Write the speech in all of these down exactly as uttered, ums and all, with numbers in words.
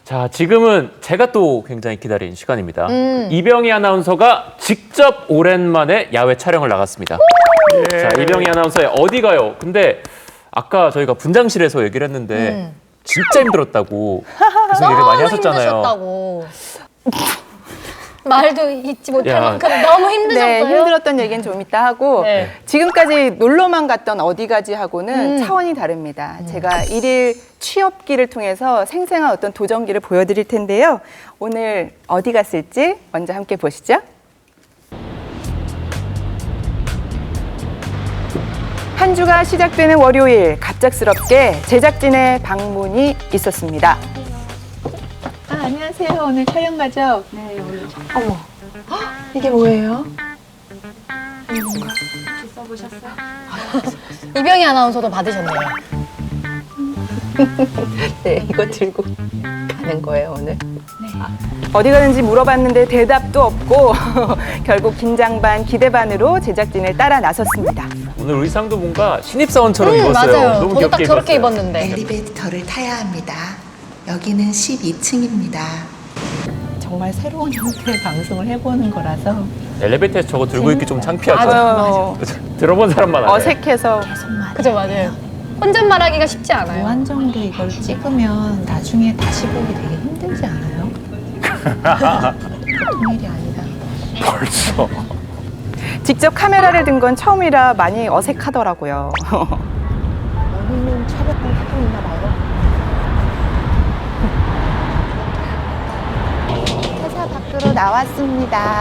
자, 지금은 제가 또 굉장히 기다린 시간입니다. 음. 이병희 아나운서가 직접 오랜만에 야외 촬영을 나갔습니다. 예. 자, 이병희 아나운서의 어디 가요? 근데 아까 저희가 분장실에서 얘기를 했는데 음. 진짜 힘들었다고 계속 얘기 많이 하셨잖아요. 힘드셨다고. 말도 잊지 못할 야. 만큼 너무 힘드셨어요. 네, 힘들었던 얘기는 좀 이따 하고 네. 지금까지 놀러만 갔던 어디 가지 하고는 음. 차원이 다릅니다. 제가 일일 취업기를 통해서 생생한 어떤 도전기를 보여드릴 텐데요. 오늘 어디 갔을지 먼저 함께 보시죠. 한 주가 시작되는 월요일, 갑작스럽게 제작진의 방문이 있었습니다. 아, 안녕하세요. 오늘 촬영 가죠? 네, 오늘. 어머, 헉, 이게 뭐예요? 이병희 아나운서도 받으셨네요. 네, 이거 들고 가는 거예요, 오늘. 네. 어디 가는지 물어봤는데 대답도 없고 결국 긴장 반 기대 반으로 제작진을 따라 나섰습니다. 오늘 의상도 뭔가 신입사원처럼 음, 입었어요. 맞아요. 너무 저도 딱 귀엽게 저렇게 입었어요. 입었는데. 엘리베이터를 타야 합니다. 여기는 십이 층입니다. 정말 새로운 형태의 방송을 해보는 거라서 엘리베이터에서 저거 들고 있기 좀 창피하죠. 맞아요. 들어본 사람만 알아요. 어색해서 계속 말해요. 그죠, 맞아요. 혼잣말하기가 쉽지 않아요. 무한정으로 이걸 찍으면 나중에 다시 보기 되게 힘들지 않아요? 보통 일이 아니다. 벌써. 직접 카메라를 든 건 처음이라 많이 어색하더라고요. 여기는 촬영을 하고 있나 봐요. 회사 밖으로 나왔습니다.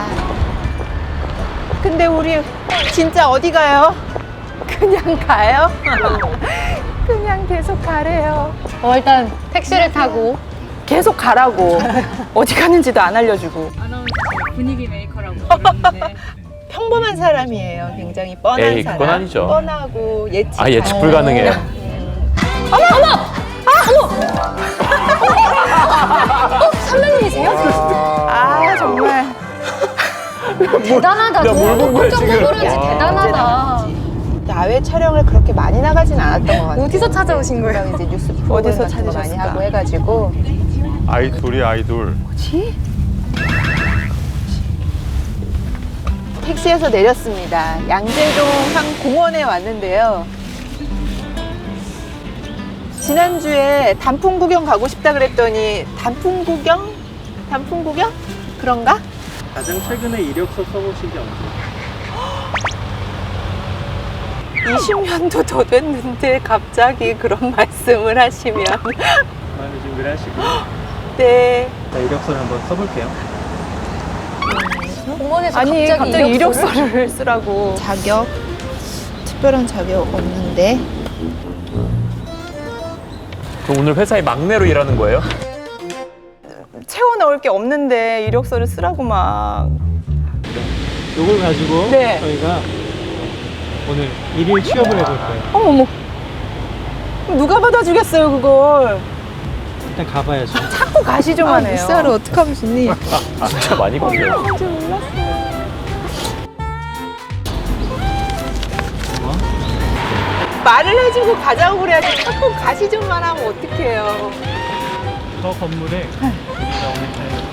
근데 우리 진짜 어디 가요? 그냥 가요? 그냥 계속 가래요. 어, 일단 택시를 타고. 계속 가라고. 어디 가는지도 안 알려주고. 분위기 메이커라고 부르는데 평범한 사람이에요. 굉장히 뻔한 에이, 사람. 그건 아니죠. 뻔하고 예측. 아, 예측 불가능해요. 선배님이세요? 아, 정말. 대단하다. 야, 뭘 본 거야, 좀 지금? 모르지 와. 대단하다. 야외 촬영을 그렇게 많이 나가진 않았던 것 같아요. 어디서 찾아오신 거예요? 이제 뉴스 어디서 프로그램 같은 거 많이 찾으셨을까? 하고 해가지고 아이돌이 아이돌. 택시에서 내렸습니다. 양재동 한 공원에 왔는데요. 지난주에 단풍 구경 가고 싶다 그랬더니 단풍 구경? 단풍 구경? 그런가? 가장 최근에 이력서 써보신 게 언제? 이십 년도 더 됐는데 갑자기 그런 말씀을 하시면. 많이 준비를 하시고 네. 자, 이력서를 한번 써볼게요. 공원에서 아니, 갑자기, 갑자기 이력서를? 이력서를 쓰라고. 자격? 특별한 자격 없는데 그럼 오늘 회사의 막내로 일하는 거예요? 채워 넣을 게 없는데 이력서를 쓰라고 막. 이걸 가지고 네. 저희가 오늘 일일 취업을 해볼 거예요. 어머, 어머. 누가 받아주겠어요, 그걸. 일단 가봐야죠. 자꾸 가시죠만 해요. 물살을 어떡하면 좋니? 진짜 많이 걸려요. 말을 해주고 가자고 그래야지 자꾸 가시좀만 하면 어떡해요. 저 건물에 제가 오늘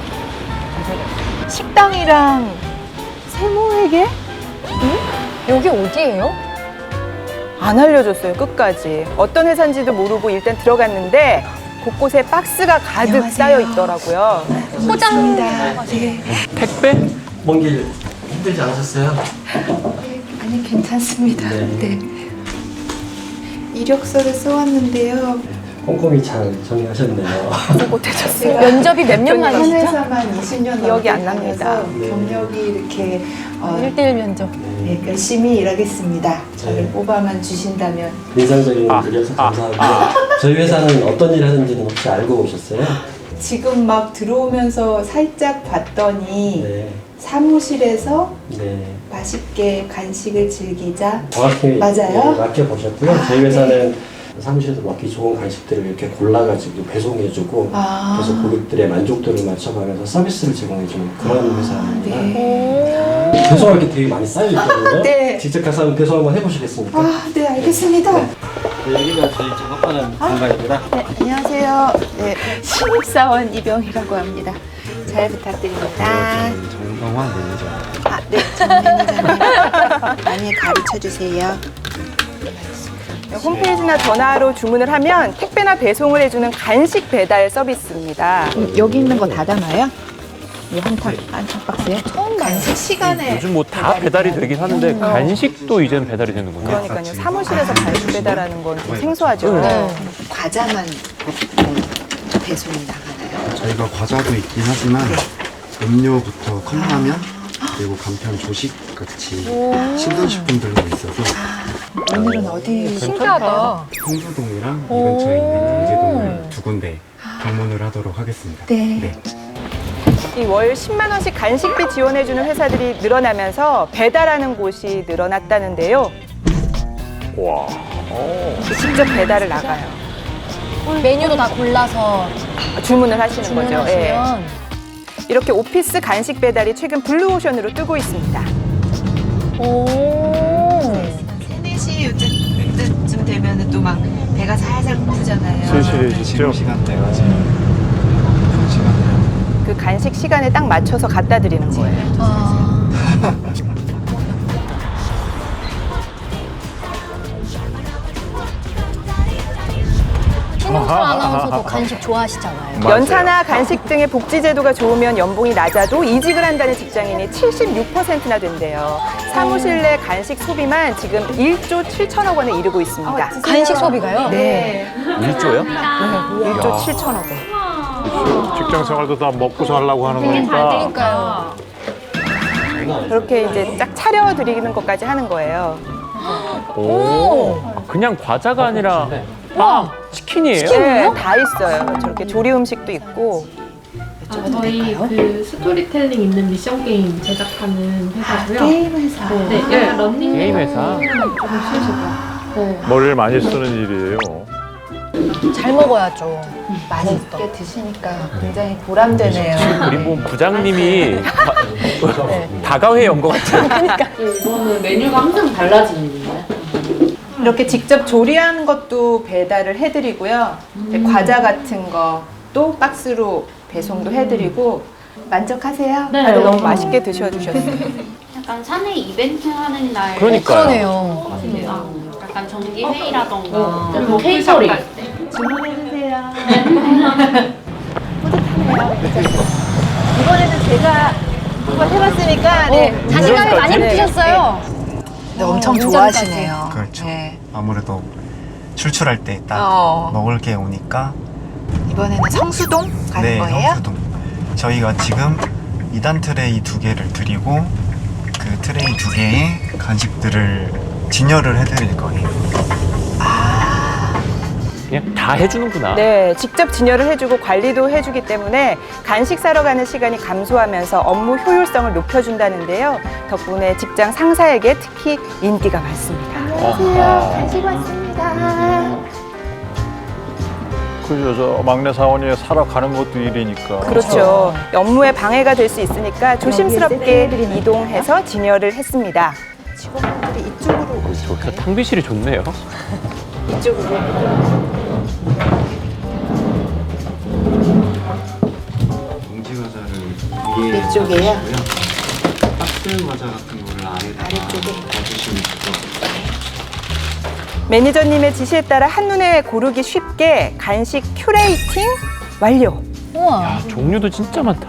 잘 식당이랑 세무회계? 여기 어디예요? 안 알려줬어요, 끝까지. 어떤 회사인지도 모르고 일단 들어갔는데 곳곳에 박스가 가득 안녕하세요. 쌓여 있더라고요. 포장. 네. 택배? 먼 길 힘들지 않으셨어요? 아니, 괜찮습니다. 네. 네. 이력서를 써왔는데요. 꼼꼼히 잘 정리하셨네요. 못해줬어요. 면접이 몇 년 한 만이시죠? 회사만 이십 년 기억이 넘게 안 납니다. 다녀서 네. 경력이 이렇게 어, 일대일 면접. 네, 열심히 일하겠습니다. 저를 네. 뽑아만 주신다면. 인상적인 아, 분이어서 아, 감사하고요. 저희 회사는 어떤 일 하는지는 혹시 알고 오셨어요? 지금 막 들어오면서 살짝 봤더니 네. 사무실에서 네. 맛있게 간식을 즐기자. 정확히 맞아요? 네, 맡겨보셨고요. 아, 저희 회사는 사무실에서 먹기 좋은 간식들을 이렇게 골라가지고 배송해주고 아. 그래서 고객들의 만족도를 맞춰가면서 서비스를 제공해주는 그런 회사입니다. 네. 배송할 게 되게 많이 쌓여있거든요. 네. 직접 가서 한번 배송 한번 해보시겠습니까? 아, 네, 알겠습니다. 여기가 저희 작업하는 공간입니다. 네, 안녕하세요. 네, 신입사원 이병희라고 합니다. 잘 부탁드립니다. 정성환 매니저. 아, 네, 정 매니저님 많이 가르쳐 주세요. 홈페이지나 전화로 주문을 하면 택배나 배송을 해주는 간식 배달 서비스입니다. 여기 있는 거 다 담아요? 이 한탁 한탁 박스에? 처음 봐요. 간식 시간에 요즘 뭐 다 배달이 되긴 하는데 간식도 이제는 배달이 되는군요. 그러니까요. 사무실에서 간식 배달하는 건 좀 생소하죠. 네. 과자만 배송이 나가나요? 저희가 과자도 있긴 하지만 음료부터 컵라면 그리고 간편 조식 같이 신선식품들도 있어서 오늘은 어디? 신기하다. 홍수동이랑 이 근처에 있는 경제동을 두 군데 방문을 하도록 하겠습니다. 네. 이 월 십만 원씩 간식비 지원해주는 회사들이 늘어나면서 배달하는 곳이 늘어났다는데요. 와. 직접 배달을 나가요. 메뉴도 다 골라서 주문을 하시는 거죠. 예. 주문하시면 이렇게 오피스 간식 배달이 최근 블루오션으로 뜨고 있습니다. 오. 세네 시 요쯤 되면 또 막 배가 살살 고프잖아요. 세실해지죠. 지금 시간대가 지금 그런 시간대라 그 간식 시간에 딱 맞춰서 갖다 드리는 거예요. 아. 신영철 아나운서도 간식 좋아하시잖아요. 맞아요. 연차나 간식 등의 복지 제도가 좋으면 연봉이 낮아도 이직을 한다는 직장인이 칠십육 퍼센트나 된대요. 사무실 내 간식 소비만 지금 일조 칠천억 원에 이르고 있습니다. 간식 소비가요? 네, 일조요? 일조 칠천억 원. 직장 생활도 다 먹고 살라고 하는 되게 잘 거니까. 되니까요. 그렇게 이제 딱 차려드리는 것까지 하는 거예요. 오. 그냥 과자가 아니라 빵, 치킨이에요? 네, 다 있어요. 저렇게 조리 음식도 있고. 아, 저희 그 스토리텔링 있는 미션 게임 제작하는 회사고요. 게임 회사. 네, 네. 런닝 게임 회사. 조금 쉬시고. 네. 머리를 많이 쓰는 일이에요. 잘 먹어야죠. 맛있게 드시니까 굉장히 보람되네요. 우리 뭐 부장님이 다- 다가회 연 것 같아요. 이거는 메뉴가 항상 달라지는 거예요? 이렇게 직접 조리하는 것도 배달을 해드리고요. 이제 과자 같은 것도 박스로 배송도 해드리고 만족하세요? 네. 다들 너무 맛있게 드셔주셨어요. 약간 사내 이벤트 하는 날 그러니까요. 그러네요. 같은데요. 약간 정기 회의라던가 그리고 케이터링 주문해주세요. 뿌듯하네요. 이번에는 제가 한번 해봤으니까 네. 자신감이 많이 네. 붙으셨어요. 네, 엄청 운전까지. 좋아하시네요. 그렇죠. 네. 아무래도 출출할 때 딱 어. 먹을 게 오니까 이번에는 성수동 가는 네, 거예요? 성수동. 저희가 지금 이 단 트레이 두 개를 드리고 그 트레이 두 개의 간식들을 진열을 해드릴 거예요. 그냥 다 해주는구나. 네, 직접 진열을 해주고 관리도 해주기 때문에 간식 사러 가는 시간이 감소하면서 업무 효율성을 높여준다는데요. 덕분에 직장 상사에게 특히 인기가 많습니다. 아하. 간식 왔습니다. 그죠. 저 막내 사원이 살아가는 것도 일이니까. 그렇죠. 업무에 방해가 될 수 있으니까 조심스럽게 이동해서 진열을 했습니다. 직원분들이 이쪽으로 저 탕비실이 좋네요. 이쪽으로. 봉지 과자를 위에 이쪽에요? 놔주시고요. 박스 과자 같은 거를 아래다가 아래쪽에? 놔주시면 될 것 같아요. 매니저님의 지시에 따라 한눈에 고르기 쉽게 간식 큐레이팅 완료. 우와. 야, 종류도 진짜 많다.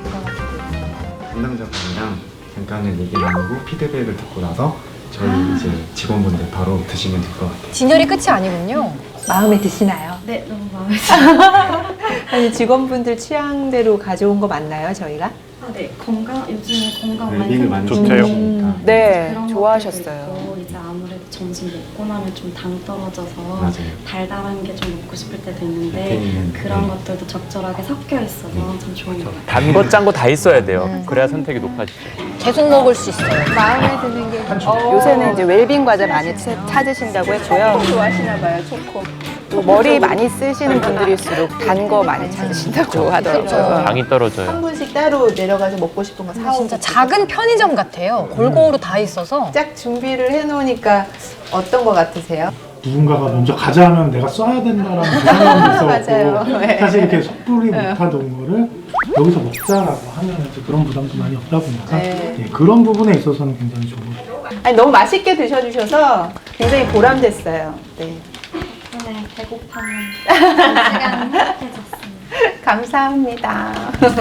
담당자분이랑 잠깐은 얘기 나누고 피드백을 듣고 나서 저희 이제 직원분들 바로 드시면 될 것 같아요. 진열이 끝이 아니군요. 마음에 드시나요? 네, 너무 마음에 들어요. 아니 직원분들 취향대로 가져온 거 맞나요, 저희가? 아, 네, 건강, 요즘에 건강 많이 웰빙을 많이 좋대요. 시키시니까. 네, 그런 좋아하셨어요. 것들도 있고, 이제 아무래도 점심 먹고 나면 좀 당 떨어져서 맞아요. 달달한 게 좀 먹고 싶을 때도 있는데 네. 그런 네. 것들도 적절하게 섞여 있어서 참 좋은 것 같아요. 단 거 짠 거 다 있어야 돼요. 그래야 선택이 높아지죠. 계속 먹을 수 있어요. 마음에 드는 게 요새는 이제 웰빙 과자 많이 차- 찾으신다고 했고요. 좋아하시나 봐요, 초코. 또 머리 많이 쓰시는 분들일수록 단 거 많이 찾으신다고 하더라고요. 당이 떨어져요. 한 분씩 따로 내려가서 먹고 싶은 거 사오고 진짜 작은 편의점 같아요. 골고루 다 있어서. 짝 준비를 해놓으니까 어떤 거 같으세요? 누군가가 먼저 가자 하면 내가 써야 된다라는 그 생각이 맞아요. 있어서 네. 사실 이렇게 섣불리 못하던 거를 여기서 먹자라고 하면 이제 그런 부담도 많이 없다 보니까 네. 예, 그런 부분에 있어서는 굉장히 좋은 것 같아요. 아니, 너무 맛있게 드셔주셔서 굉장히 보람됐어요. 네. 오늘 배고파는 시간 행복해졌습니다. 감사합니다.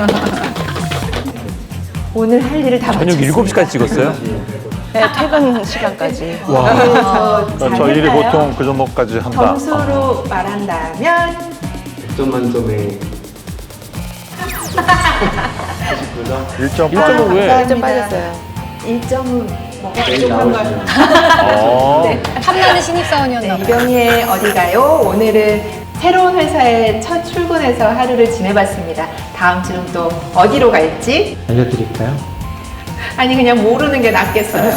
오늘 할 일을 다 저녁 마쳤습니다. 일곱 시까지 찍었어요? 네, 퇴근 시간까지. 와. 저, 저 일이 보통 그 정도까지 한다. 점수로 말한다면 백 점 만점에 일 점 일 점은 왜? 일 점 빠졌어요. 일 점은 뭐가 부족한 걸. 어. 네. 탐나는 신입사원이었나 네, 봐요. 이병희의 어디 가요? 오늘은 새로운 회사에 첫 출근해서 하루를 지내봤습니다. 다음 주는 또 어디로 갈지? 알려드릴까요? 아니, 그냥 모르는 게 낫겠어요.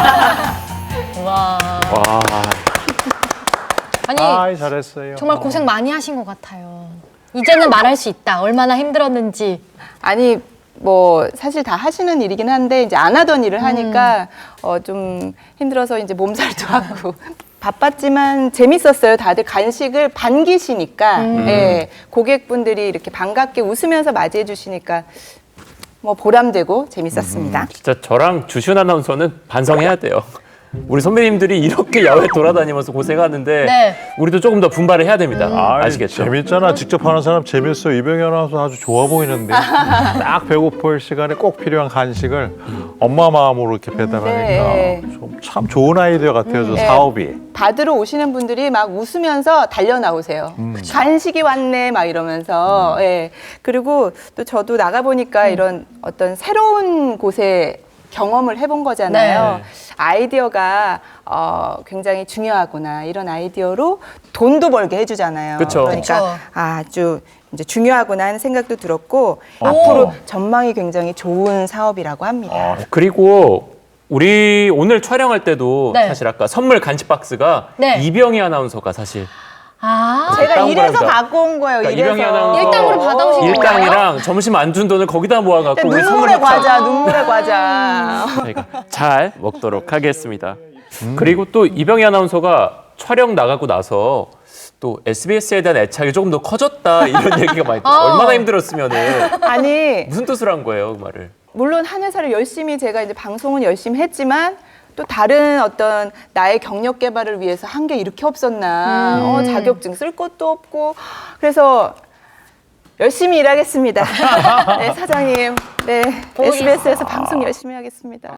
와. 와. 아니, 아이, 잘했어요. 정말 고생 많이 하신 것 같아요. 이제는 말할 수 있다. 얼마나 힘들었는지. 아니 뭐 사실 다 하시는 일이긴 한데 이제 안 하던 일을 하니까 어, 좀 힘들어서 이제 몸살도 하고 바빴지만 재밌었어요. 다들 간식을 반기시니까 예, 고객분들이 이렇게 반갑게 웃으면서 맞이해 주시니까 뭐 보람되고 재밌었습니다. 진짜 저랑 주시은 아나운서는 반성해야 돼요. 우리 선배님들이 이렇게 야외 돌아다니면서 고생하는데 네. 우리도 조금 더 분발을 해야 됩니다. 아이, 아시겠죠? 재밌잖아. 직접 하는 사람 재밌어. 이병희 아나운서 아주 좋아 보이는데 딱 배고플 시간에 꼭 필요한 간식을 엄마 마음으로 이렇게 배달하니까 네. 좀 참 좋은 아이디어 같아요. 저 네. 사업이. 받으러 오시는 분들이 막 웃으면서 달려 나오세요. 간식이 왔네 막 이러면서. 예. 그리고 또 저도 나가 보니까 이런 어떤 새로운 곳에 경험을 해본 거잖아요. 네. 아이디어가 어, 굉장히 중요하구나. 이런 아이디어로 돈도 벌게 해주잖아요. 그쵸. 그러니까 그쵸. 아주 이제 중요하구나 하는 생각도 들었고 앞으로 전망이 굉장히 좋은 사업이라고 합니다. 아, 그리고 우리 오늘 촬영할 때도 네. 사실 아까 선물 간식 박스가 네. 이병희 아나운서가 사실 아. 제가 다운 이래서 거랍니다. 갖고 온 거예요. 그러니까 이래서. 이병희 아나운서 일당으로 받아오신 건가요? 일당이랑 점심 안 준 돈을 거기다 모아갖고 우리 선물 눈물의 먹자. 과자, 눈물의 과자. 저희가 잘 먹도록 하겠습니다. 그리고 또 이병희 아나운서가 촬영 나가고 나서 또 에스비에스에 대한 애착이 조금 더 커졌다 이런 얘기가 많이 어. 얼마나 힘들었으면은 아니 무슨 뜻으로 한 거예요 그 말을? 물론 한 회사를 열심히 제가 이제 방송은 열심히 했지만 또 다른 어떤 나의 경력 개발을 위해서 한 게 이렇게 없었나. 음. 어, 자격증 쓸 것도 없고 그래서 열심히 일하겠습니다. 네, 사장님. 네, 에스비에스에서 방송 열심히 하겠습니다.